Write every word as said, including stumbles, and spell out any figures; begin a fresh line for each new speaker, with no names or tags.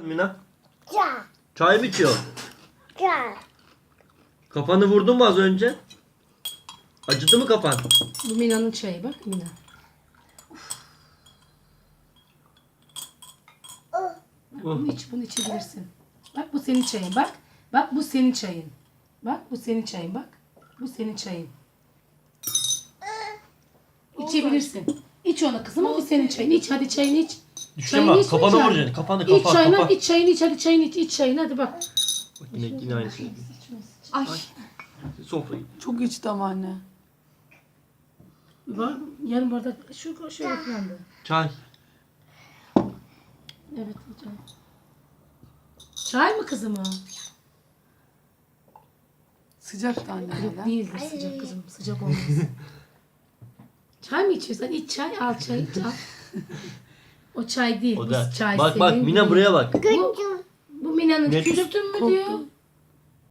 Mina?
Çay.
Çay mı içiyorsun?
Çay.
Kafanı vurdun mu az önce? Acıdı mı kafan?
Bu Mina'nın çayı bak Mina. Bak, bunu iç, bunu içebilirsin. Bak bu senin çayın bak. Bak bu senin çayın. Bak bu senin çayın bak. Bu senin çayın. İçebilirsin. İç onu kızım o bu senin çayın. İç hadi çayını iç.
Düşün bak, kafanı
lütfen.
vuracaksın. Kafanı,
İç
kafa,
çayını,
kafa.
iç çayını iç hadi çayını iç. İç çayını hadi bak.
Bak yine, yine aynı şey.
Ay
Sofrayı.
çok içti ama anne.
Var yarım bardak şu şöyle falan da.
Çay.
Evet çay. Çay mı kızım o?
Sıcak da anne
Yok
hala.
değildir sıcak kızım. Sıcak olmaz. Çay mı içiyorsun? İç çay, al çay, iç al. O çay değil.
O
bu
da.
çay
Bak
senin
bak Mina
değil.
buraya bak.
Bu, bu Mina'nın
Ne?
küstün mü diyor.